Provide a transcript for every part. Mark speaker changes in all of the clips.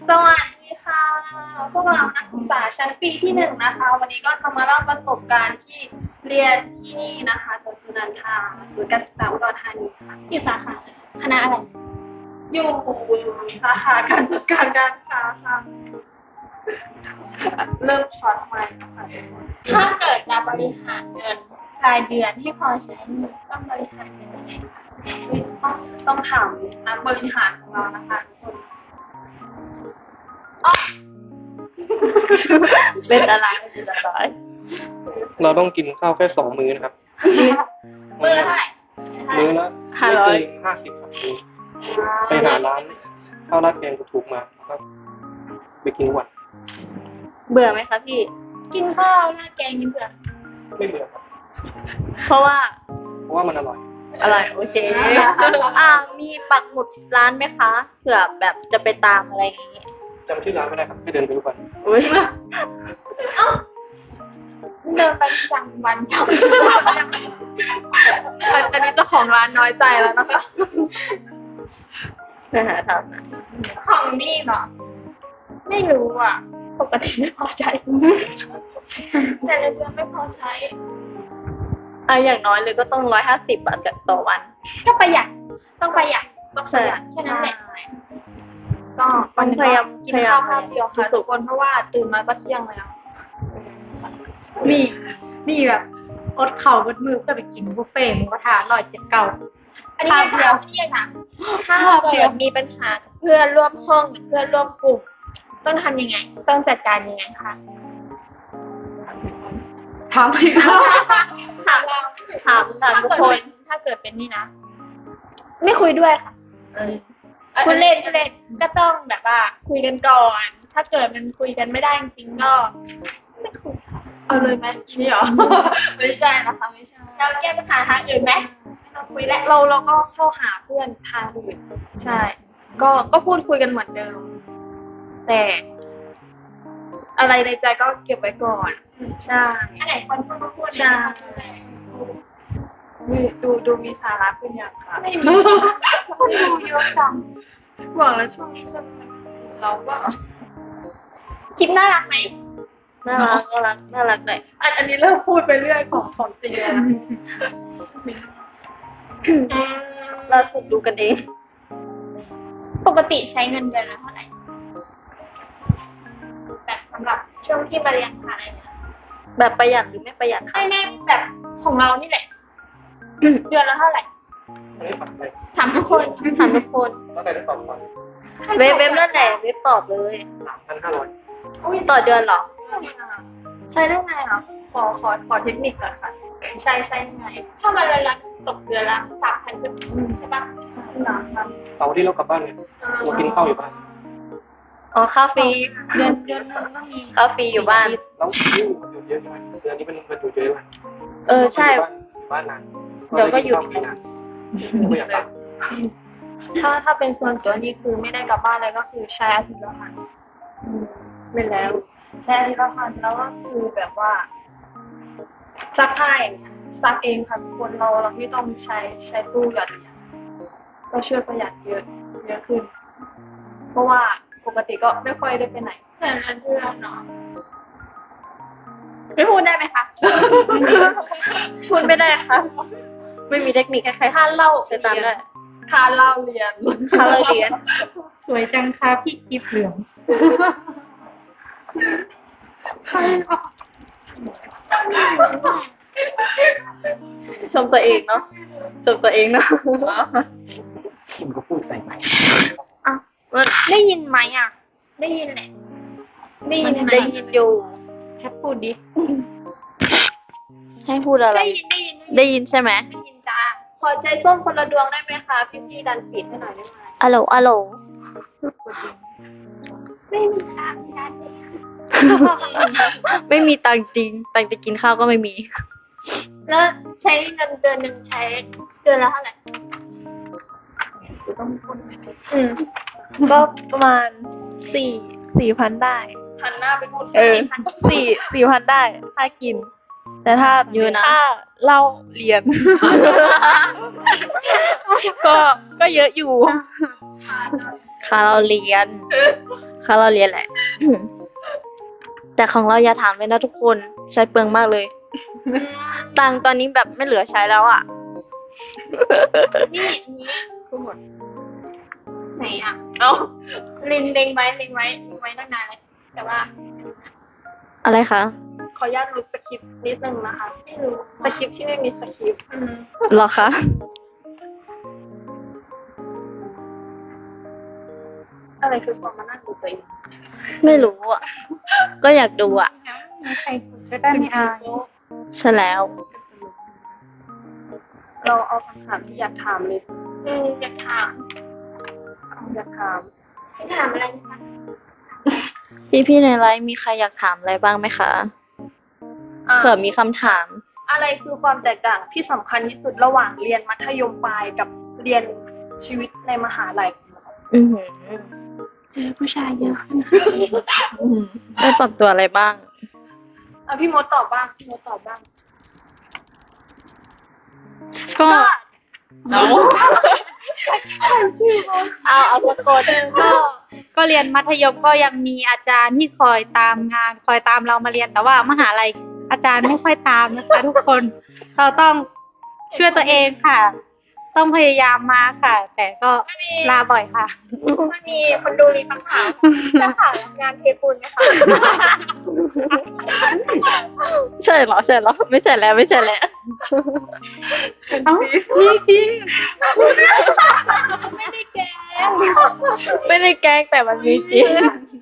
Speaker 1: สวัสดีค่ะพวกเรานักศึกษาชั้นปีที่1นะคะ วันนี้ก็จะมาเล่าประสบการณ์ที่เรียนที่นี่นะคะสวนสุนันทาศูนย์การศึกษาอุดรธานีค่ะอยู่สาขาคณะอะไรอยู่สาขาการจัดการการค้าค่ะเริ่มช็อตใหม่นะคะถ้าเกิดจะบริหารเงินรายเดือนให้พอใช้ต้องบริหารยังไงคะต้องถามนักบริหารของเรานะคะทุกคน
Speaker 2: เป็นอะไรเป็นอะไร
Speaker 3: เราต้องกินข้าวแค่2 มื้อนะครับ
Speaker 1: มื้อละเท่าไหร่
Speaker 3: มื้อละไม่เกิน50ครับไปหาร้านข้าวราดแกงถูกๆมาครับไปกินวัน
Speaker 2: เบื่อไหมคะพี่
Speaker 1: กินข้าวราดแกงกินเบื่อ
Speaker 3: ไม่เบื่อครับ
Speaker 2: เพราะว่า
Speaker 3: เพราะว่ามันอร่อย
Speaker 2: อะไรโอเค มีปักหมุดร้านไหมคะเผื่อแบบจะไปตามอะไรอย่างงี้
Speaker 3: จำชื่อร้านไม่ได้ครับให้เดินไปทุกวัน
Speaker 2: อุ้ย
Speaker 1: เดินไปอย่างวันจำอันนี้เจ้าของร้านน้อยใจแล้วนะคะ
Speaker 2: นะฮะทำนะ
Speaker 1: ของนี่เนาะไม่รู้อ่ะ ปกติไม่พอใจ แต่ละเดือนไม่พอใช้
Speaker 2: อย่างน้อยเลยก็ต้อง150 บาทต่อวัน
Speaker 1: ก็ประหยัดต้องประหยัดต้องประหยัดแค่นั้นแหละก็วันนี้ก็กินข้าวข้าวเดียวค่ะทุกคนเพราะว่าตื่นมาก็เที่ยงแล้ว
Speaker 4: นี่แบบอดเข่าบดมือเพื่อไปกินบุฟเฟ่ต์หมูกระทะ179
Speaker 1: อันนี้เดียวพี่นะถ้าเกิดมีปัญหาเพื่อนร่วมห้องหรือเพื่อนร่วมกลุ่มต้องทำยังไง ต้องจัดการยังไงคะ
Speaker 4: ถามอีกแล้ว
Speaker 1: ถามเรา
Speaker 2: ถามทุกคน
Speaker 1: ถ้าเกิดเป็นนี่นะ ไม่คุยด้วยค่ะคุณเล่นก็ต้องแบบว่า คุยกันก่อน ถ้าเกิดมันคุยกันไม่ได้จริงๆก็ไม่คุยค่ะเอาเลยไหมนี่หรอ ไม่ใช่นะคะไม่ใช่เราแก้ปัญหาทางอื่นไหมไม่ต้องคุยแล้วเราก็เข้าหาเพื่อนทางอื่นใช่ ก็พูดคุยกันเหมือนเดิม แต่อะไรในใจก็เก็บไว้ก่อน ใช่อันไหนคนพูดก็พูดใช่ดูมีสาระขึ้นอย่างค่ะไม่มีดูเยอะจังหวังแล้วช่วงนี้เราก็คลิปน่ารักไหม
Speaker 2: น่ารักเลย
Speaker 1: อันนี้เริ่มพูดไปเรื่อยของจริงแล้วนะ
Speaker 2: เราสุดดูกันเอง
Speaker 1: ปกติใช้เงินเดือนละเท่าไหร่แบบสำหรับช่วงที่มาเรียนมหาลัยเนี่ย
Speaker 2: แบบประหยัดหรือไม่ประหยัดคะ
Speaker 1: ไม่แบบของเรานี่แหละ เดือนละเท่าไหร่
Speaker 3: อันนี้ฝันเลย
Speaker 1: ถามทุกคน
Speaker 2: ถามทุกคน
Speaker 3: แล้วใครได้ตอบก่อน
Speaker 2: เว็บนั่นแหละเว็บตอบเลย
Speaker 3: 3,500
Speaker 2: ต่อเดือนเหรอ
Speaker 1: ใช้ได้ไงอ่ะขอเทคนิคก่อนค่ะใช้ยังไง ถ้ามันละตกเดือนละ3,000ขึ้นใช่ปะ3,000
Speaker 3: เสาร์ที่เรากลับบ้านเนี่ยเรากินข้าวอยู่บ้าน
Speaker 2: อ๋อค่าฟรี
Speaker 1: เดือนนึงต้องมี
Speaker 2: ค่าฟรีอยู่บ้าน
Speaker 3: แล้วมันอยู่เยอะใช่ไหมเดือนนี้มันอยู่เยอะเลย
Speaker 2: ใช่
Speaker 3: อยู่บ้านนาน
Speaker 2: เดี๋ยวก็หยุด
Speaker 3: ไม่นานไม่อยากกลับ
Speaker 1: ถ้าเป็นส่วนตัวนี่คือไม่ได้กลับบ้านเลยก็คือใช้อาทิตย์ละพัน
Speaker 2: ไม่แล้ว
Speaker 1: ใช้อาทิตย์ละพันแล้วก็คือแบบว่าซักผ้าอย่างเงี้ยซักเองค่ะคนเราไม่ต้องใช้ตู้หยอดเหรียญก็ช่วยประหยัดเยอะขึ้น เพราะว่าปกติก็ไม่ค่อยได้ไปไหนแต่ละเดือนเนาะไม่พูดได้ไหมคะ
Speaker 2: พูดไม่ได้ค่ะ ไม่มีเทคนิคใคร
Speaker 1: ค่าเล่า
Speaker 2: ใช้ตามได้
Speaker 1: ค่าเล่าเรียน
Speaker 2: ค่าเราเรียน
Speaker 4: สวยจังค่ะพี่กิฟเหลือง
Speaker 1: ใช่ค่ะ
Speaker 2: ชมตัวเองเนาะชมตัวเองเนาะ
Speaker 3: คุณก็พูดใส่
Speaker 2: ได้ยินไหมอ่ะ
Speaker 1: ได้ยินแหละ
Speaker 2: ได้ยินอยู่
Speaker 4: แค่พูดดิ
Speaker 2: ให้พูดอะไร
Speaker 1: ได้ยิน
Speaker 2: ได้ยินใช่ไหม
Speaker 1: ได้ยินจ้าขอใจส้มคนละดวงได้ไหมคะพี่ดันปิดให้หน่อยได้ไหม
Speaker 2: อะโหลอะโหล
Speaker 1: ไม่มีทางการเลย
Speaker 2: ไม่มีตังค์จริง ตังค์จะกินข้าวก็ไม่มี
Speaker 1: แล้วใช้เงินเดือนหนึ่งใช้เดือนละเท่าไหร่
Speaker 2: ก็ประมาณ4,000ได้
Speaker 1: หันหน้าไปพูด
Speaker 2: 4,000ได้ถ้ากิน แต่ถ้าเยอะนะถ้าเล่าเรียน ก็เยอะอยู่ค่าเราเรียนค่าเราเรียนแหละ แต่ของเราอย่าถามเลยนะทุกคนใช้เปลืองมากเลย ตังค์ตอนนี้แบบไม่เหลือใช้แล้วอ่ะ
Speaker 1: นี่อันนี้คือหมดไหนอ่ะ
Speaker 2: เอา
Speaker 1: เล็งไว้ตั้งนานเลยแต่ว่า
Speaker 2: อะไรคะ
Speaker 1: ขออนุญาตรู้สคริปต์นิดนึงนะคะไม่รู้สคริปต์ที่ไม่มีสคริปต์
Speaker 2: เหรอคะ
Speaker 1: อะไรคือความมานั่งดูตัวเอง
Speaker 2: ไม่รู้อ่ะ ก็อยากดูอ่ะ
Speaker 4: มีใครฝึกจะได้ไม่อาย
Speaker 2: ใช่แล้ว
Speaker 1: เราเอาคำถามที่อยากถามเลยอยากถามให้ถามอะไรนะคะ
Speaker 2: พี่ๆในไลฟ์มีใครอยากถามอะไรบ้างไหมคะเผื่อมีคำถาม
Speaker 1: อะไรคือความแตกต่างที่สำคัญที่สุดระหว่างเรียนมัธยมปลายกับเรียนชีวิตในมหาลัย
Speaker 2: อือหือ
Speaker 1: เจอผู้ชายเยอะขึ้น
Speaker 2: อืมได้ปรับตัวอะไรบ้าง
Speaker 1: พี่มดตอบบ้าง
Speaker 2: ก็
Speaker 4: เอาสักคนก็เรียนมัธยมก็ยังมีอาจารย์ที่คอยตามงาน คอยตามเรามาเรียนแต่ว่ามหาลัยอาจารย์ไม่ค่อยตามนะคะ ทุกคนเราต้องช่วยตัวเองค่ะ ต้องพยายามมาค่ะ แต่ก็ลาบ่อยค่ะ
Speaker 1: ไม่มีคนดูรีตั้งถามจะขายงานเทปูนไหมคะ
Speaker 2: ใช่เหรอ ไม่ใช่แล้ว
Speaker 4: เอ้ามีจริง
Speaker 1: ไม่ได้แก
Speaker 2: ไม่ได้แกล้งแต่มันมีจริง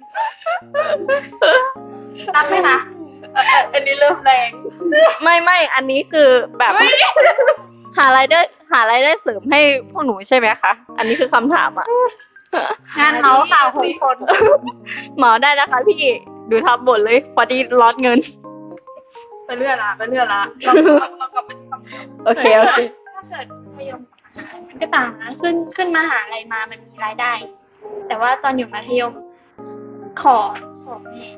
Speaker 1: รับไหมคะอันนี้เริ่มแรง
Speaker 2: ไม่อันนี้คือแบบ หารายได้เสริมให้พวกหนูใช่ไหมคะ อันนี้คือคำถามอ่ะ
Speaker 4: งานเมาส์ข่าว6 คน
Speaker 2: เหมาได้นะคะพี่ดูทับบทเลยพอดีร้อนเงิน
Speaker 1: ไปเรื่อยละเรากลับมาที่คำถาม
Speaker 2: โอเค
Speaker 1: ถ้าเกิดมัธยมมันก็ต่างนะขึ้นมหาลัยมามันมีรายได้ แต่ว่าตอนอยู่มัธยมขอแม่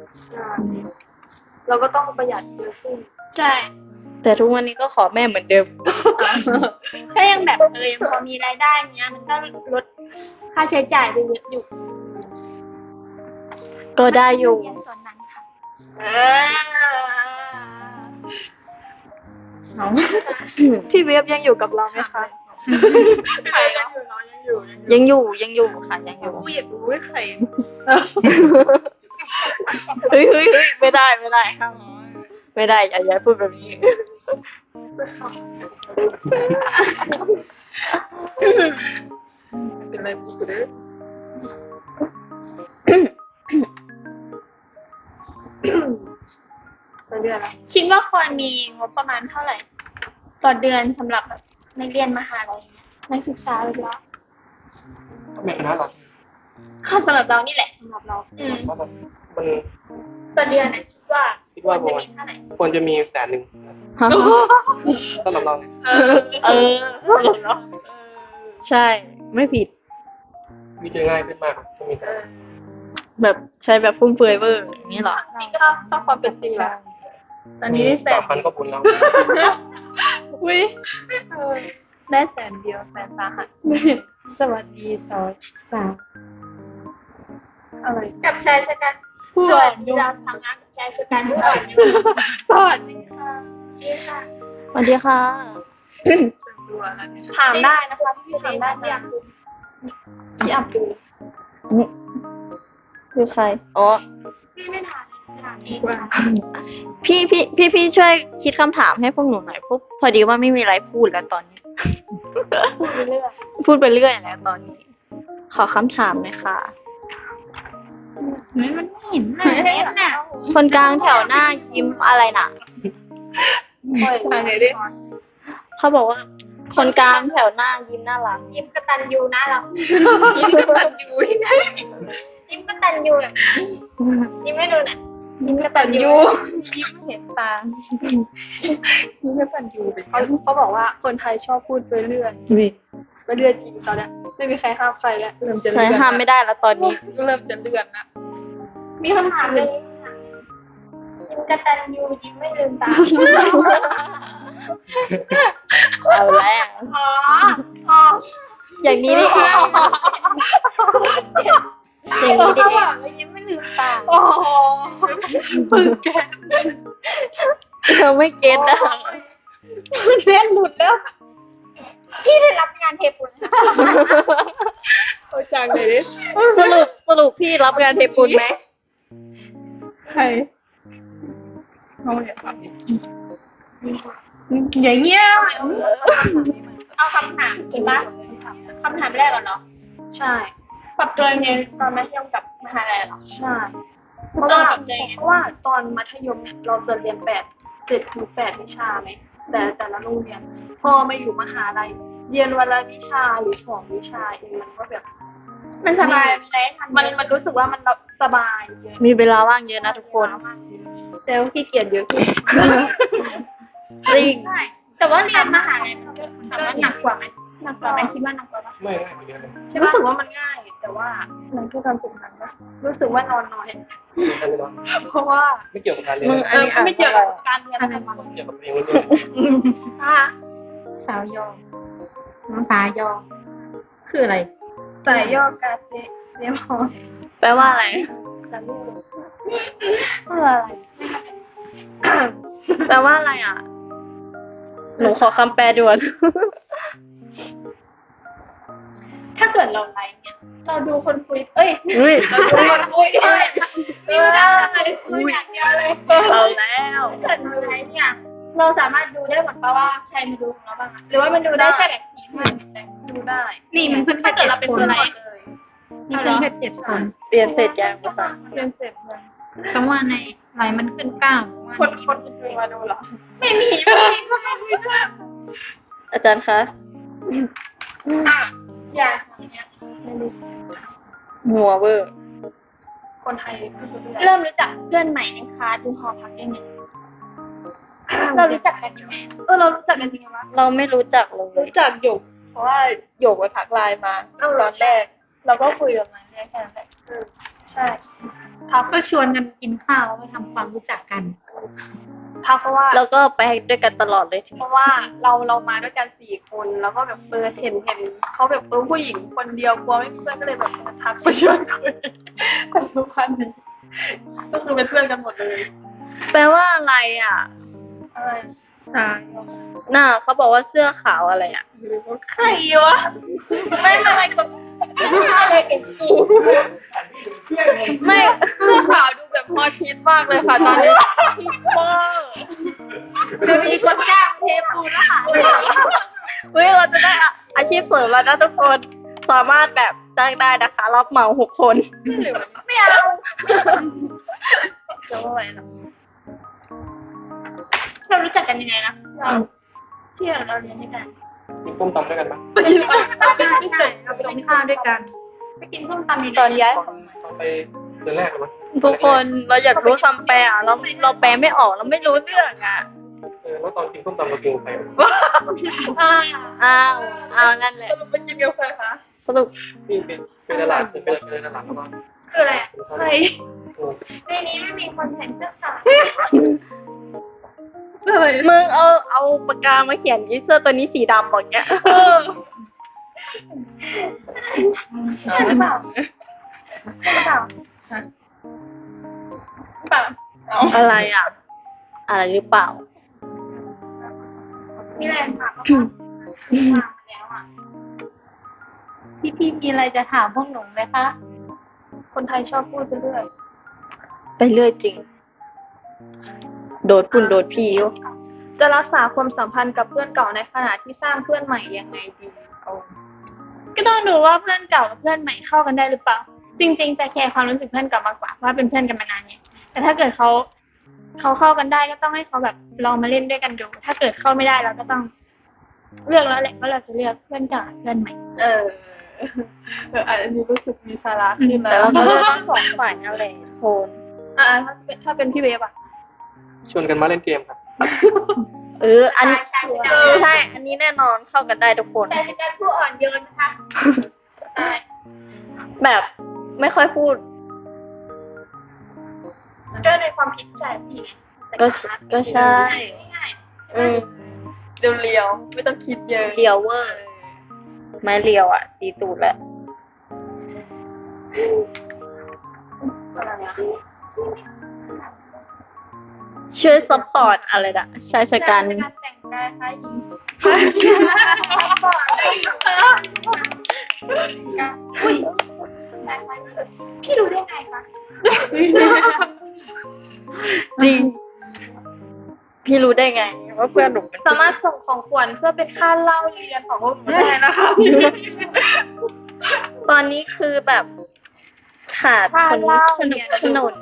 Speaker 1: เราก็ต้องประหยัดเยอะขึ้นใช่
Speaker 2: แต่ทุกวันนี้ก็ขอแม่เหมือนเดิม
Speaker 1: ก็ยังแบบยังพอมีรายได้เนี้ยมันก็ลดค่าใช้จ่ายไปเยอะอยู่
Speaker 2: ก็ได้อยู่
Speaker 1: เรียนส่วนนั้นค่ะพี่เวฟยังอยู่กับเราไหมคะใครยังอยู่น้องยังอยู่
Speaker 2: ยังอยู่ค่ะยังอยู่
Speaker 1: กูอยากรู้ว่าใคร
Speaker 2: เฮ้ยไม่ได้ค่ะไม่ได้อย่าพูดแบบนี้
Speaker 1: เป็นไรพูดเลยคิดว่าควรมีงบประมาณเท่าไหร่ต่อเดือนสำหรับแบบนักเรียนมหาลัยนักศึกษาเลยละ
Speaker 3: ก็มีคณะหลัก
Speaker 1: สำหรับเรานี่แหละสำหรับเรา
Speaker 3: ว่ามัน
Speaker 1: ต่อเดือนคิดว่า
Speaker 3: คิดว่า
Speaker 1: ควรจะมีเท่าไหร่
Speaker 3: ควรจะมี100,000
Speaker 2: ฮะ
Speaker 3: สำหรับเราเนี่ย
Speaker 2: ใช่ไม่ผิด
Speaker 3: วิธีง่ายขึ้นมากก็มีแต่
Speaker 2: แบบใช้แบบฟุ่มเฟือยเวอร์อย่างนี้เหรอ
Speaker 1: จริงก็ต้องความเป็นจริงละตอนนี้ได้แสน
Speaker 3: 3,000ก็บุญแล้ว
Speaker 1: อุ้ยได้แสนเดียวแสนสาหัส
Speaker 4: สวัสดี2 3
Speaker 1: อะไรกับชายชะกัน
Speaker 4: ผู้
Speaker 1: ส
Speaker 4: อ่
Speaker 1: วั
Speaker 4: อ
Speaker 1: ส
Speaker 4: น
Speaker 1: ดี
Speaker 4: โยม
Speaker 1: ดาวทางงานกับชายชะกันผู้อ่อนโยมสวัสดีค่ะนี่ค่ะ
Speaker 2: สวัสดีค่ะ
Speaker 1: ถามได้นะคะพี่ถามได้ที่อยากดูที่อยากดู
Speaker 2: คือใครอ๋อ
Speaker 1: พี่ไม่ถามเองค่ะ
Speaker 2: พี่ช่วยคิดคำถามให้พวกหนูหน่อยพอดีว่าไม่มีอะไรพูดแล้วตอนนี้
Speaker 1: พูดไปเรื่อย
Speaker 2: พูดไปเรื่อยแล้วตอนนี้ ขอคำถามหน่อยค่ะ
Speaker 4: มันไม่เห็นหน้าเน็ตน่ะ
Speaker 2: คนกลางแถวหน้ายิ้มอะไรน่ะ
Speaker 1: ทางไหนดิ
Speaker 2: เขาบอกว่า คนกลางแถวหน้ายิ้มน่ารัก
Speaker 1: ยิ้มกตันยูนะเรายิ้มกตันยูยิ้มกตันยูแบบยิ้มไม่ดูนะยิ้มกตันยูยิ้มเห็นตายิ้มกตันยูเขาบอกว่าคนไทยชอบพูดไปเรื่อยไปเรื่อยจริงตอนเนี้ยไม่มีใครห้ามใครแล้วเริ่มจะ
Speaker 2: ใช้
Speaker 1: เลื่อน
Speaker 2: ห้ามไม่ได้แล้วตอนนี้
Speaker 1: เริ่มจะเลื่อนแล้วมีคำถามเลยยิ้มกตันยูยิ้มไม่ลืมตา
Speaker 2: เอาแล้ว
Speaker 1: อ๋อ
Speaker 2: อย่างนี้นี่เองสิ่งนี้ดี
Speaker 4: เขาบอกแล้วยิ้มไม่ลืมตาโอ้ฝึกแก
Speaker 2: เธอไม่เก็ตนะ
Speaker 4: เส้นหลุดแล้ว
Speaker 1: พี่ได้รับงานเทปูน
Speaker 4: เอาจังเลยดิ
Speaker 2: สรุปพี่รับงานเทปูนไหม
Speaker 4: ใครเขาอย่าทำอย่างเงี้ย
Speaker 1: เอาคำถามถูกปะคำถามแรกก่อนเนาะ
Speaker 4: ใช่
Speaker 1: ปรับตัวยังไงตอนมัธยมกับมหาลัยเหรอ
Speaker 4: ใช่
Speaker 1: เพราะว่า
Speaker 4: ตอนมัธยมเนี่ยเราจะเรียน7 ถึง 8วิชาไหมแต่ละโรงเรียน พอมาอยู่มหาลัยเรียนวันละวิชาหรือ2 วิชาเองมันก็แบบ
Speaker 1: มันสบายได้ทำ
Speaker 4: มันรู้สึกว่ามันสบายเยอะ
Speaker 2: มีเวลาว่างเยอะนะทุกคน
Speaker 4: แต่ว่าขี้เกียจเยอะขึ้น
Speaker 2: จริง
Speaker 1: ใช่แต่ว่าเรียนมหาลัยมันก็ถามว่าหนักกว่าไหมหนักกว่าไหมคิดว่าหนักกว่าปะ
Speaker 3: ไม่ง่ายไปเยอะเลย
Speaker 4: รู้สึกว่ามันง่าย แต่ว่ามันก็การฝึกหัดนะรู้สึกว่านอนน้อย เพราะว่า
Speaker 3: ไม่เกี่ยวกับการเรียน
Speaker 2: มึง อันนี้อ่าน
Speaker 4: ไม่เกี่ยวกับการเรียนอะไรมา
Speaker 3: เกี่ยวกับเพลงล้วน
Speaker 4: สาวยองน้องสายองคืออะไรสายยอกาเซเรียมอ
Speaker 2: แปลว่าอะไร
Speaker 4: สายลูกคืออะไร
Speaker 2: แปลว่าอะไรอ่ะ หนูขอคำแปลด่วน
Speaker 1: ถ้าเกิดเราไลฟ์เนี่ยเราดูคนคุยเอ้ย
Speaker 2: อุ้ย
Speaker 1: เราดูคนคุยด้วยไม่ได้คุยอย่างเดียวเลย
Speaker 2: เอาแล้ว
Speaker 1: ถ้าเกิดเราไลฟ์เนี่ยเราสามารถดูได้หมดปะว่าใครมาดูของเราบ้างอะหรือว่ามันดูได้แค่แบบ4 5
Speaker 4: ดูได้
Speaker 1: นี่มันขึ้นถ้าเกิดเราเป็นคนไลฟ์
Speaker 4: นี่ขึ้นแค่7 คน
Speaker 2: เปลี่ยนเสร็จยังภาษา
Speaker 4: เรียนเสร็จเลยคำว่าในไลน์มันขึ้น9
Speaker 1: คนคุยมาดูเหรอไม่มี
Speaker 2: อาจารย์คะ
Speaker 1: อ่ะอย่างเงี้ย
Speaker 2: หัวเวอร์
Speaker 4: คนไทยก็ดูได้
Speaker 1: เริ่มรู้จักเพื่อนใหม่ในคลาสดูหอพักยังไงเรารู้จักกันยังไง
Speaker 4: เรารู้จักกันจริงไหม
Speaker 2: เราไม่รู้จักเลย
Speaker 4: รู้จักหยก เพราะว่าหยกมาทักไลน์มาตอนแรก เราก็คุยกับมันแค่นั้นแหละใช่ทักก็ชวนกันกินข้าวแล้วมาทำความรู้จักกันทักเพราะว่า
Speaker 2: แล้วก็ไปด้วยกันตลอดเลยที
Speaker 4: เพราะว่าเรามาด้วยกัน4 คนแล้วก็แบบเห็นเขาแบบผู้หญิงคนเดียวกลัวไม่มีเพื่อนก็เลยแบบทักไปชวนคุยแต่ทุกวันนี้ก็คือเป็นเพื่อนกันหมดเลย
Speaker 2: แปลว่าอะไรอ่ะ
Speaker 4: อะไรใช่
Speaker 2: น่าเขาบอกว่าเสื้อขาวอะไรอ่ะ
Speaker 4: ใครวะไม่อะไรกับ
Speaker 1: อะไรกันจริง
Speaker 2: ไม่เสื้อขาวดูแบบฮอตฮิตมากเลยค่ะตอนนี้ฮิตมาก
Speaker 1: จะมีคนจ้างเทปูนแล้วค่ะ
Speaker 2: เฮ้ยเราจะได้อาชีพเสริมแล้วนะทุกคนสามารถแบบจ้างได้นะคะรับเหมา6 คน
Speaker 1: ไม่เอา
Speaker 4: จะว่าอะไรนะ
Speaker 1: เรารู้จักกันยังไงนะเราที่เราเรียนด้วยกัน
Speaker 3: ๆกินต้มตำด้วยกันปะ
Speaker 4: ไปกินเราไปกินข้าวด้วยกัน
Speaker 1: ไปกินส้มตำยังไง
Speaker 2: ตอนย้าย
Speaker 3: ตอนไปเดือนแรกเลยมั้ย
Speaker 2: ทุกคนเราอยากรู้คำแปลอ่ะเราแปลไม่ออกเราไม่รู้เรื่องอ่ะ
Speaker 3: แล้วตอนกินต้มตำเรากินกับใคร
Speaker 2: อ้าวนั่นแหละ
Speaker 4: ไปกินกับใครคะ
Speaker 2: สรุป
Speaker 3: นี่เป็นตลาดเป็นตลาดแล้วก็
Speaker 1: คืออะไรอะ
Speaker 4: ใคร
Speaker 1: ในนี้ไม่มีคนเห็นเสื้อขาว
Speaker 4: อะไร
Speaker 2: มึงเอาปากกามาเขียนยี่เสื้อตัวนี้สีดำบอกเงี้ย
Speaker 1: ใช่หรือเปล่าใช่หรือเปล่าเปล่า
Speaker 2: อะไรอ่ะ อะไรหรือเปล่า
Speaker 1: มีอะไรถามบ้างมาแล้วอ่ะ
Speaker 4: พี่มีอะไรจะถามพวกหนูไหมคะ คนไทยชอบพูดไปเรื่อย
Speaker 2: ไปเรื่อยจริง โดดปุ่นโดดพี่อยู่
Speaker 4: จะรักษาความสัมพันธ์กับเพื่อนเก่าในขณะที่สร้างเพื่อนใหม่ยังไงดีเอา
Speaker 1: ก็ต้องดูว่าเพื่อนเก่ากับเพื่อนใหม่เข้ากันได้หรือเปล่า จริง ๆ จะแคร์ความรู้สึกเพื่อนเก่ามากกว่าว่าเป็นเพื่อนกันมานานเนี่ยแต่ถ้าเกิดเขาเข้ากันได้ก็ต้องให้เขาแบบลองมาเล่นด้วยกันดู ถ้าเกิดเข้าไม่ได้เราก็ต้องเลือกแล้วแหละว่าเราจะเลือกเพื่อนเก่าหรือเพื่อนใหม่
Speaker 4: อันนี้รู้สึกมีสาระขึ้น
Speaker 2: แต่
Speaker 4: แล้ว
Speaker 2: เราก็เลือกทั้งสองฝ่ายนั่นแหละโทน
Speaker 4: ถ้าเป็นพี่เวฟอะ
Speaker 3: ชวนกันมาเล่นเกมครับ
Speaker 2: อันใช่ อันนี้แน่นอนเข้ากันได้ทุกคน
Speaker 1: ชายชะกันผู้อ่อนโยนนะคะใช่
Speaker 2: แบบไม่ค่อยพูด
Speaker 1: ก็ในความคิดใจพี่ไง
Speaker 2: ก็ใช่
Speaker 1: ง่าย
Speaker 4: เรียวๆไม่ต้องคิดเยอะ
Speaker 2: เลียวเวอร์ ไม้เลียวอ่ะ ตีตูดแล้ว
Speaker 1: อะไรอะ
Speaker 2: ช่วยซัพพอร์ตอะไรนะชายชะกัน
Speaker 1: แต่งกายคล้ายหญิงอุ้ยพี่รู้ได้ไงคะ
Speaker 2: จริง พี่รู้ได้ไงว่าเพื่อนหนูเป็น
Speaker 1: สามารถส่งของขวัญเพื่อเป็นค่าเล่าเรียนของพวกหนูได้นะคะ
Speaker 2: ตอนนี้คือแบบขาดคนสนับสนุน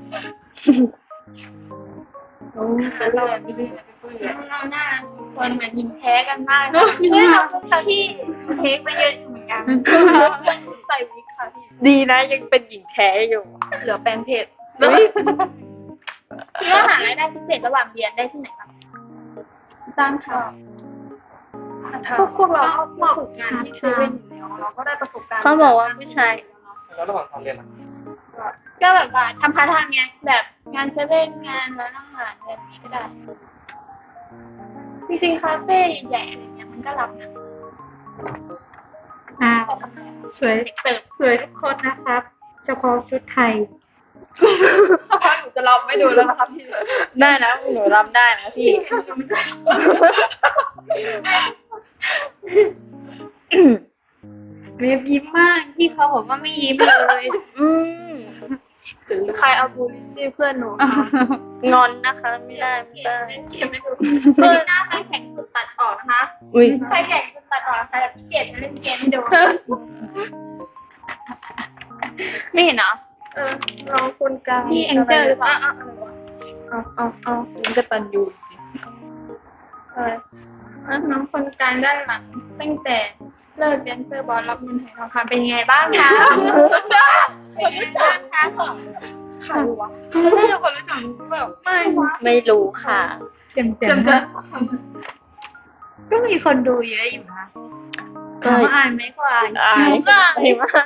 Speaker 1: เราหน้าคนเหมือนหญิงแท้กันมากเลยขอบคุณค่ะพี่เทคไปเยอะอยู่เหมือนกันใส่วิกค่ะพี่
Speaker 2: ดีนะยังเป็นหญิงแท้อยู่
Speaker 1: เหลือแปลงเพจคิดว่าหารายได้พิเศษระหว่างเรียนได้ที่ไหนคะจ้างค่ะพวกเราก็ฝึกงานที่เซเว่นอยู่แล้วเราก็ได้ประสบการณ์
Speaker 2: เขาบอกว่าผู้ชาย
Speaker 3: แล้วระหว่างตอนเรียนล่ะ
Speaker 1: ก็แบบว่าทำพาร์ทไทม์ไงแบบงานเซเว่นงานร้านอาหารอะไรแบบนี้ก็ได้ จริงๆคาเฟ่ใหญ่ๆอะไรเงี้ยมันก็รับนะ
Speaker 4: สวยสวยทุกคนนะครับ เฉพาะชุดไทย
Speaker 1: หนูจะลองไม่ดูแล้วนะคะพี่
Speaker 2: ได้นะหนูรับได้นะพี่
Speaker 4: เวฟยิ้มมากที่เขาบอกว่าไม่ยิ้มเลย
Speaker 2: อืม
Speaker 1: ใครเอาบูลลี่เพื่อนหนู
Speaker 2: งอนนะคะไม่ได้ไม่ได้
Speaker 1: เก็บไม่ดูเพื่อนหน้าใครแข่งสุดตัดออกนะคะ
Speaker 2: อุ้ย
Speaker 1: ใครแข่งสุดตัดออกใครแบบขี้เกียจมาเล่นเกมไม่ดู
Speaker 2: ไม่เห็นเหรอ
Speaker 1: น้องคุณกลางพี่แองเจิลหรือเปล่าเอาคุณกตันยูน้องคนกลางด้านหลังตั้งแต่เลิกเรียนเซอร์บอลรับเงินหายทองคำเป็นยังไงบ้างคะคนรู้จักคะใครวะไม่ใช่คนรู้จักแบบ
Speaker 2: ไม่รู้ค่ะ
Speaker 4: เจ็มก็มีคนดูเยอะอยู่นะ
Speaker 2: ก็
Speaker 4: ถามว่าอ่านไหมก็อ่าน
Speaker 2: อายมากมาก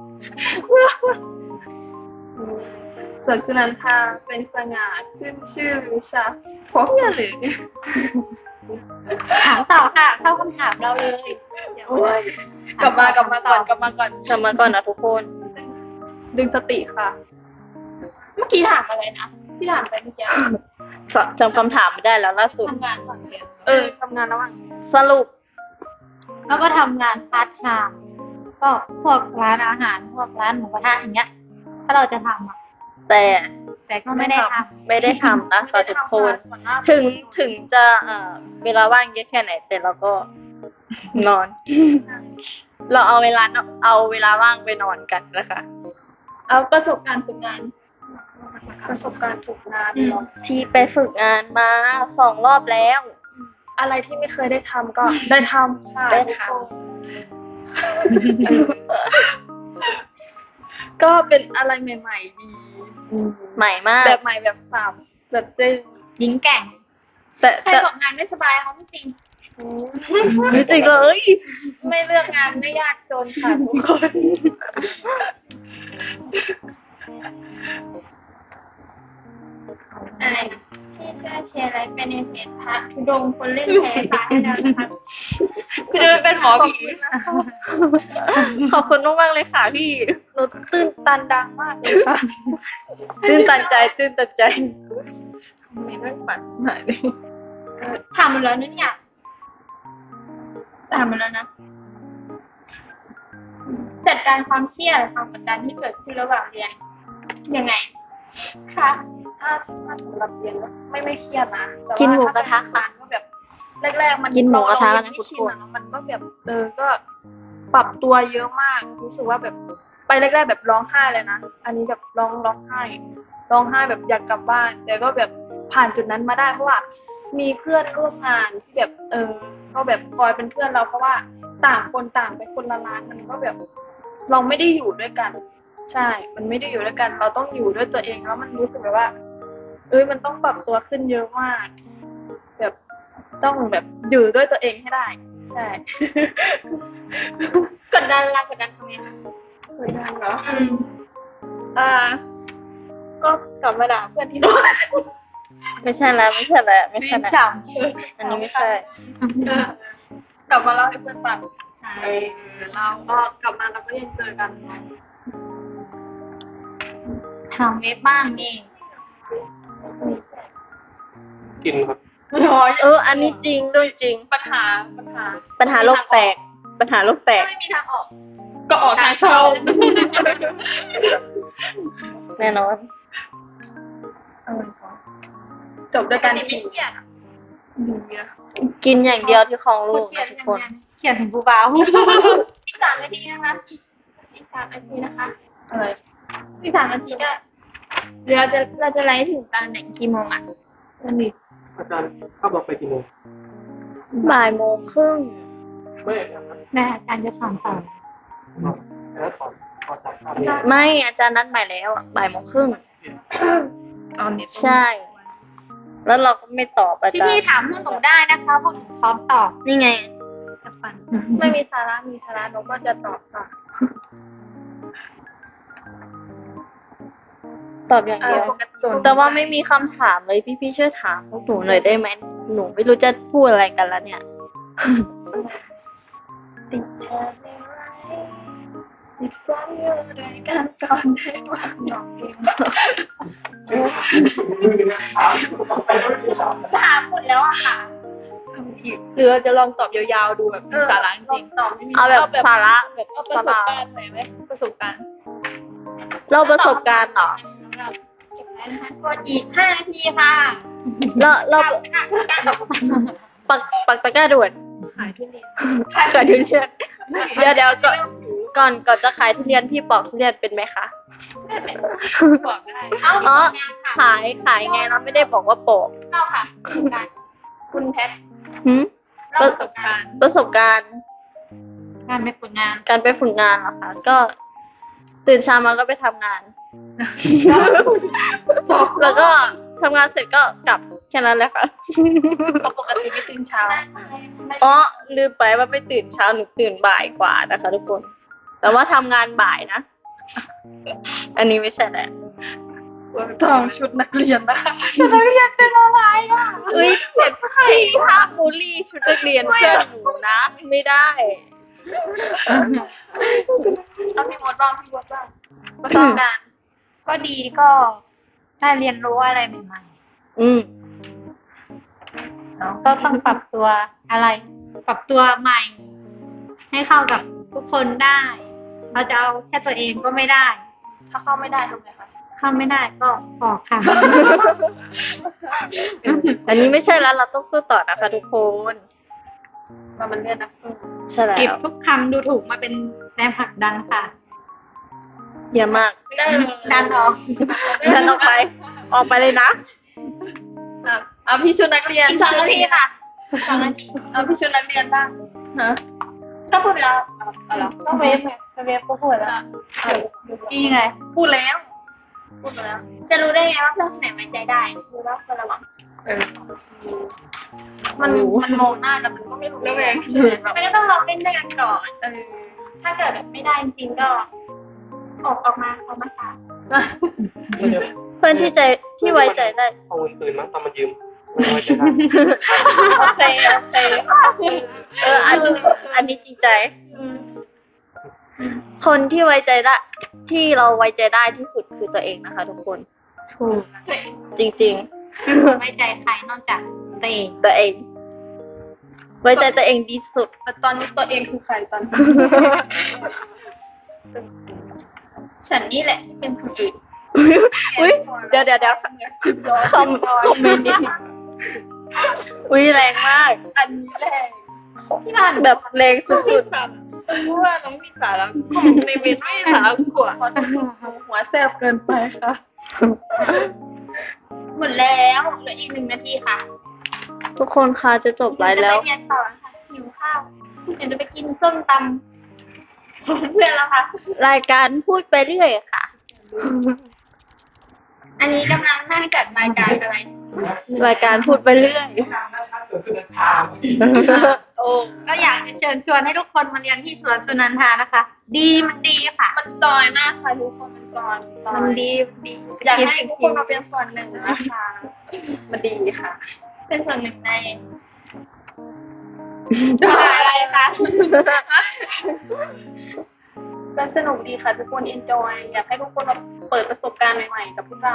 Speaker 1: เกิดขึ้นนันทาเป็นสง่าขึ้นชื่อวิชาพวกเนี่ยหรือ
Speaker 4: ถามต่อค่ะ เข้าคำถามเราเลยเดี๋ยว
Speaker 1: กลับมาก่อน
Speaker 2: จำมาก่อนนะทุกคน
Speaker 1: ดึงสติค่ะ เมื่อกี้ถามอะไรนะที่ถามไปเมื่อกี้
Speaker 2: จำคำถามไม่ได้แล้วล่าสุด
Speaker 1: ทำงานก่อนเรียนทำงานระหว่าง
Speaker 2: สรุป
Speaker 4: แล้วก็ทำงานพาร์ทไทม์ก็พวกร้านอาหารพวกร้านหมูกระทะอย่างเงี้ย ถ้าเราจะทำอ่ะ แต่ก็ไม่ได้ทำ
Speaker 2: ไม่ได้ทำนะคะทุกคน ถึงจะเวลาว่างเยอะแค่ไหน แต่เราก็นอน เราเอาเวลาว่างไปนอนกันนะคะ
Speaker 1: เอาประสบการณ์ฝึกงาน
Speaker 2: ที่ไปฝึกงานมา2 รอบแล้ว
Speaker 1: อะไรที่ไม่เคยได้ทำก็ได้ทำค่ะ
Speaker 2: ได้ท
Speaker 1: ก็เป็นอะไรใหม่ๆดี
Speaker 2: ใหม่มาก
Speaker 1: แบบใหม่แบบสับแบบได้
Speaker 4: หญิงแกร่ง
Speaker 2: แต่
Speaker 1: ใครบอกงานไม่สบายเขาไม่จริง
Speaker 2: ไม่จริงเลย
Speaker 1: ไม่เลือกงานไม่ยากจนค่ะทุกคน อะไรนะพี่ช่วยแชร์อะไรไปในเพจพระธุดงค์คนเล่นแพ้ตายให้แล้วนะคะ
Speaker 2: คือจะเป็นหมอผีขอบคุณมากๆเลยค่ะพี่
Speaker 1: หนูตื่นตันดังมากเลยค่ะ
Speaker 2: ตื่นตันใจ
Speaker 1: มีเรื่องฝันหายเลยถามหมดแล้วนะเนี่ยถามหมดแล้วนะ จัดการความเครียดความกดดันที่เกิดขึ้นระหว่างเรียนยังไงคะถ้าสำหรับเรียนแล้วไม่เครียดนะแต่ว่า
Speaker 2: กินหมูกระทะ
Speaker 1: ถ้าเป็นงานก็แบบแรกๆมัน
Speaker 2: กินหมูกระทะ
Speaker 1: เรา
Speaker 2: นะ
Speaker 1: ไม่
Speaker 2: ทุก
Speaker 1: ชิ
Speaker 2: คน น
Speaker 1: อะมันก็แบบก็ปรับตัวเยอะมากรู้สึกว่าแบบไปแรกๆแบบร้องไห้เลยนะอันนี้แบบร้องไห้แบบอยากกลับบ้าน แต่ก็แบบผ่านจุดนั้นมาได้เพราะว่ามีเพื่อนร่วมงานที่แบบก็แบบคอยเป็นเพื่อนเราเพราะว่าต่างคนต่างไปคนละร้านมันก็แบบ เราไม่ได้อยู่ด้วยกัน ใช่ มันไม่ได้อยู่ด้วยกัน เราต้องอยู่ด้วยตัวเองแล้วมันรู้สึกแบบว่ามันต้องปรับตัวขึ้นเยอะมาก แบบต้องแบบอยู่ด้วยตัวเองให้ได้ ใช่ กดดันทำไงคะกดดันเหรอก็กลับมาด่าเพื่อนที่โดน
Speaker 2: ไม่ใช่แล้ว
Speaker 4: ฉ่
Speaker 2: อันนี้ไม่ใช่
Speaker 1: กลับมาเล่าให้เพื่อนฟังใช่เราก็กลับมาเราก็ยังเจอกัน
Speaker 4: ทำเว็บบ้างนี่
Speaker 3: กินครับ
Speaker 2: อันนี้จริงเรื่องจริง
Speaker 1: ปัญหา
Speaker 2: ปัญหาโลกแตก ปัญหาโลกแตก
Speaker 1: ไม่มีทางออก ก็ออกทางเข้า
Speaker 2: แน่นอน
Speaker 1: จบด้วยกันที่เครียด
Speaker 2: กินอย่างเดียวที่คลองลูกนะทุกคน
Speaker 4: เขียนถึงผู้บ่าว
Speaker 1: อีก3 นาทีนะคะอีก3 นาทีนะคะอีก3 นาทีก็เราจะไลฟ์ถึงตอนไหนกี่โมงอ่ะวันนี้
Speaker 3: อาจารย์เข้าบอกไปกี่โมง
Speaker 2: บ่ายโมงครึ่ง
Speaker 3: ไม่ครับ
Speaker 4: แม่อาจารย์จะสอนต่อ
Speaker 3: แล้วขอจ่ายค่าเรียน
Speaker 2: ไม่อาจารย์นัดใหม่แล้วอะบ่ายโมงครึ่ง
Speaker 1: ตอนนี้
Speaker 2: ใช่ แล้วเราก็ไม่ตอบอาจาร
Speaker 4: พี่
Speaker 2: ย์
Speaker 4: ๆถามพวกหนูได้นะคะพวกหนูพร้อมตอบ
Speaker 2: นี่ไง
Speaker 4: จะฟัง
Speaker 1: ไม่มีสาระมีสาระนกก็จะตอบค่ะ
Speaker 2: ตอบอย่างเดียว แต่ว่าไม่มีคำถามเลยพี่ๆช่วยถามพวกหนูหน่อยได้ไหมหนูไม่รู้จะพูดอะไรกันแล้วเนี่ย
Speaker 1: ติดเธอไม่ไหวติดความอยู่ด้วยกันก่อนได้ไหมน้องเองถามหมดแล้วอะค่ะหรือเราจะลองตอบยาวๆดูแบบมีสาระจริงๆตอบไม่มี
Speaker 2: เอาแบบสาระแบบ
Speaker 1: เอาประ
Speaker 2: ส
Speaker 1: สบ
Speaker 2: บาย
Speaker 1: การณ์หน่อยไหมประสบการณ์
Speaker 2: เราประสบการณ์เหรอ
Speaker 1: จบแล้วนะคะกดอีก5 นาทีค่ะ
Speaker 2: เราปักตะกร้าด่วน
Speaker 1: ขายทุเรียน
Speaker 2: ขายทุเรียนเดี๋ยวก่อนจะขายทุเรียนพี่ปอกทุเรียนเป็นไหมคะ
Speaker 1: บอกได้
Speaker 2: อ๋อขายไงเราไม่ได้บอกว่าปอก
Speaker 1: เล่าค่ะคุณแพท
Speaker 2: หืม
Speaker 1: เล่าประสบการณ์
Speaker 2: ประสบการณ์
Speaker 4: งานไปฝึกงาน
Speaker 2: การไปฝึกงานเหรอคะก็ตื่นเช้ามาก็ไปทำงาน แล้วก็ทำงานเสร็จก็กลับแค่นั้นแหละค่ะ
Speaker 1: ปกติไม่ตื่นเช้า
Speaker 2: อ๋อลืมไปว่าไม่ตื่นเช้าหนูตื่นบ่ายกว่านะคะทุกคน แต่ว่าทำงานบ่ายนะ อันนี้ไม่ใช่แหละ
Speaker 1: จองชุดนักเรียนนะคะชุดนักเรียนเป็นอะไรอ่ะ
Speaker 2: เอ้ยเผ็ดพี่ห้ามบูลลี่ชุดนักเรียนเพื่อนหนูนะ ไม่ได้
Speaker 1: เอาพี่มดบ้างประสบการณ์
Speaker 4: ก็ดีก็ได้เรียนรู้อะไรใหม่
Speaker 2: อืม
Speaker 4: ๆเนาะก็ต้องปรับตัวอะไร ปรับตัวใหม่ ให้เข้ากับทุกคนได้ เราจะเอาแค่ตัวเองก็ไม่ได้
Speaker 1: ถ้าเข้าไม่ได้ทำไงคะ
Speaker 4: เข้าไม่ได้ก็ออกค่ะ
Speaker 2: อันนี้ไม่ใช่แล้วเราต้องสู้ต่อนะคะทุกคน
Speaker 1: มันเรียนนักสู้
Speaker 2: ใช่แล้
Speaker 4: เก็บ
Speaker 2: ว
Speaker 4: ทุกคำดูถูกมาเป็นแรงผลักดันค่ะ
Speaker 2: เยอะมาก
Speaker 1: ไม่ได้เลย
Speaker 4: ดันออก
Speaker 2: เดินออกไป ออกไปเลยนะ
Speaker 1: เอาพี่ชุดนักเรียน
Speaker 4: อีก2 นาทีค่ะ
Speaker 1: 2 นาทีเอาพี่ชุดนักเรียนบ้าง
Speaker 2: ฮะ
Speaker 1: ก็พูดไปแล้วเอาเหรอต้องเวฟไงเวฟก็พูดแล้ว
Speaker 4: อีไง
Speaker 1: พูดแล้วจะรู้ได้ไงว่าเพื่อนคนไหนไว้ใจได้รู้ว่าคนระวังมันมองหน้ากันมันก็ไม่รู้ได้ไงมันก็ต้องลองเล่นด้วยกันก่อนถ้าเกิดแบบไม่ได้จริงๆก็ออกมาถาม
Speaker 2: เพื่อนที่ไว้ใจได้
Speaker 3: เอาเงินคืนมั้งตอนมันยืมไม่ไว้ใจได้
Speaker 2: โอเคอันนี้จริงใจ คนที่ไว้ใจได้ ที่เราไว้ใจได้ที่สุดคือตัวเองนะคะ ทุกคน
Speaker 4: ถูก
Speaker 2: จริง
Speaker 4: ไว้ใจใครนอกจากตัวเอง
Speaker 2: ๆ ตัวเอง ไว้ใจตัวเองดีสุด
Speaker 1: แต่ตอนนี้ตัวเองคือใครตอนนี้ฉันนี่แหละที่เป็นคนอื่น
Speaker 2: อุ้ยเดี๋ยวคอมเมนต์นี้อุ้ยแรงมาก
Speaker 1: อันนี้แหละ
Speaker 2: แบบแรงสุด
Speaker 1: รู้ว่าน้องมีสาระในเวทไม่มีสาระกว่าหัวแซ่บเกินไปค่ะหมดแล้วเหลืออีก1 นาทีค่ะ
Speaker 2: ๆ ทุกคนคะจะจบไลฟ์แล้ว
Speaker 1: จะไปเรียนต่อค่ะหิวข้าวเดี๋ยวจะไปกินส้มตำของเพื่อนแล้วค่ะ
Speaker 2: รายการพูดไปเรื่อยค่ะ
Speaker 1: อันนี้กำลังนั่งจัดรายการอะไร
Speaker 2: รายการพูดไปเรื่อย
Speaker 4: โอ้ก็อยากจะเชิญชวนให้ทุกคนมาเรียนที่สวนสุนันทานะคะ ดีมันดีค่ะ
Speaker 1: มันจอยมากค่ะทุกคนมันจอย
Speaker 4: มันดี
Speaker 1: อยากให้ทุกคนมาเป็นส่วนหนึ่งนะคะมันดีค่ะ เป็นส่วนหนึ่งในอะไรคะ
Speaker 5: ก็สนุกดีค่ะทุกคน enjoy อยากให้ทุกคนมาเปิดประสบการณ์ใหม่ๆกับพวกเรา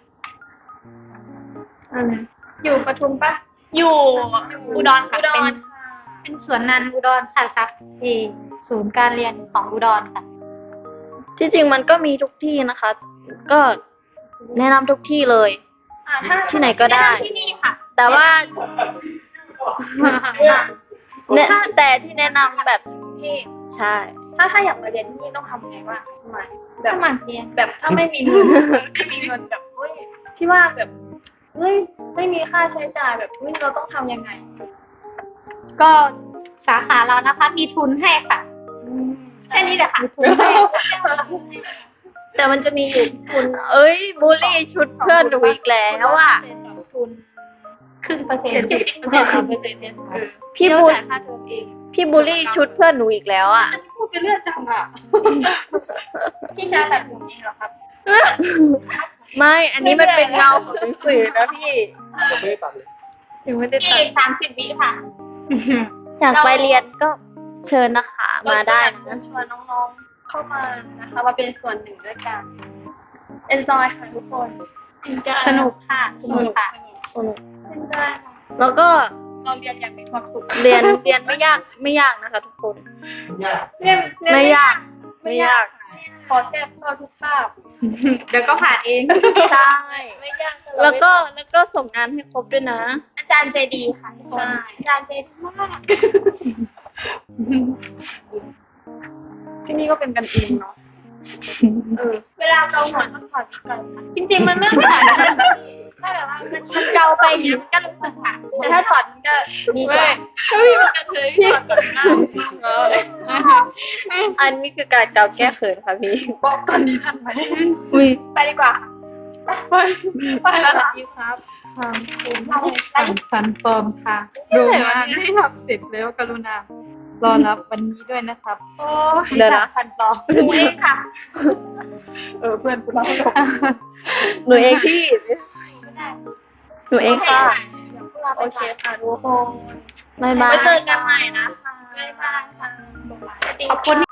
Speaker 1: อยู่ปทุมปะอยู่อุดรค่ะ
Speaker 5: อุดร
Speaker 4: เป็นสวนนันอุดรค่ะซักที่ศูนย์การเรียนของอุดรค่ะ
Speaker 2: ที่จริงมันก็มีทุกที่นะคะ ก็แนะนำทุกที่เลย
Speaker 1: ถ้า
Speaker 2: ที่ไหนก็ได้
Speaker 1: ที่นี่ค่ะ
Speaker 2: แต่ว่าเนี่ยแต่ที่แนะนำแบบ
Speaker 1: ที่
Speaker 2: ใช่
Speaker 5: ถ้าอยากมาเรียนที่นี่ต้องทำไงบ้างทำไมแบ
Speaker 1: ส
Speaker 5: บ
Speaker 1: มัครเรียน
Speaker 5: แบบถ้าไม่มีเงิน ไม่มีเงินแบบเฮ้ยที่ว่าแบบเฮ้ยไม่มีค่าใช้จ่ายแบบเฮ้ยเราต้องทำยังไง
Speaker 4: ก็สาขาเรานะคะ มีทุนให้ค่ะ
Speaker 1: แค่นี้แหละค่ะ
Speaker 4: มีทุนให้
Speaker 5: แต่มันจะมีอยู่ทุน
Speaker 2: เอ้ยบูลลี่ชุดเพื่อนหนูอีกแล้วอ่ะ
Speaker 5: ทุน
Speaker 1: ครึ่งเปอร์เซ็นต์ 70%
Speaker 2: พี่บูล
Speaker 5: จ่ายค่าเทอมเอง
Speaker 2: พี่บูลลี่ชุดเพื่อนหนูอีกแล้วอ่ะ
Speaker 5: อันนี้พูดไปเรื่อยจังอ่ะ
Speaker 1: พี่ชาตัดผมเองเหรอครับ
Speaker 2: ไม่ อันนี้มันเป็นเงาของหนังสือนะพี่
Speaker 3: ผมไม่ได้ตัดเลย
Speaker 2: ยังไม่ได้
Speaker 1: อี
Speaker 2: ตัด
Speaker 1: ก30 วิค่ะ
Speaker 2: อยากไปเรียนก็เชิญนะคะมาได้
Speaker 5: เชิญชวนน้องๆเข้ามานะคะมาเป็นส่วนหนึ่งด้วยกัน enjoy ค่ะทุกคน
Speaker 4: สนุกค่ะ สนุกค่ะ
Speaker 2: สนุก
Speaker 5: enjoy ค่ะ
Speaker 2: แล้วก็
Speaker 5: เราเรียนอย่างมีความสุข
Speaker 2: เรียนไม่ยากนะคะ ทุกคน
Speaker 5: เรียน
Speaker 2: ไม่ยากไม่ยาก
Speaker 5: ขอแทบชอบทุกคาบ
Speaker 4: เดี๋ยวก็ผ่านเอง
Speaker 2: ใช่
Speaker 5: ไม่ยาก
Speaker 2: แล้วก็ส่งงานให้ครบด้วยนะ
Speaker 1: อาจารย์ใจดีค่ะทุกคนอาจารย์ใจดีมาก
Speaker 5: ที่นี่ก็เป็นกันเองเนาะ
Speaker 1: เวลาเกาหัวต้องถอดวิกก่อนค่ะจริงๆมันไม่ต้องถอดนะถ้าแบบว่ามันเกาไปอย่างนี้มันก็รู้สึกค่ะแต่ถ้าถอดมันก็ดีกว่า
Speaker 5: เฮ้ยมันกันเลยถอดก่อนหน้า
Speaker 2: อันนี้คือการเกาแก้เขินค่ะพี่
Speaker 5: บอกตอนนี้ทันไหม
Speaker 2: อุ้ย
Speaker 1: ไปดีกว่า
Speaker 5: ไปแล้วล่ะครับ
Speaker 4: ฟันปลอมค่ะโรงงานไม่ทำเสร็จแล้วกรุณารอรับวันนี้ด้วยนะครับ
Speaker 5: โอ้
Speaker 2: เดี๋ยวนะ
Speaker 4: ฟันปลอม
Speaker 1: หนูเองค่ะ
Speaker 5: เพื่อนกูเล่าให้ฟัง
Speaker 2: หนูเองพี่ หนูเองค่ะ
Speaker 5: โอเคค่ะทุกคน
Speaker 2: บ๊ายบาย
Speaker 5: ไว้เจอกันใหม่นะคะ
Speaker 1: บ๊ายบายค่ะ
Speaker 5: ขอบคุณ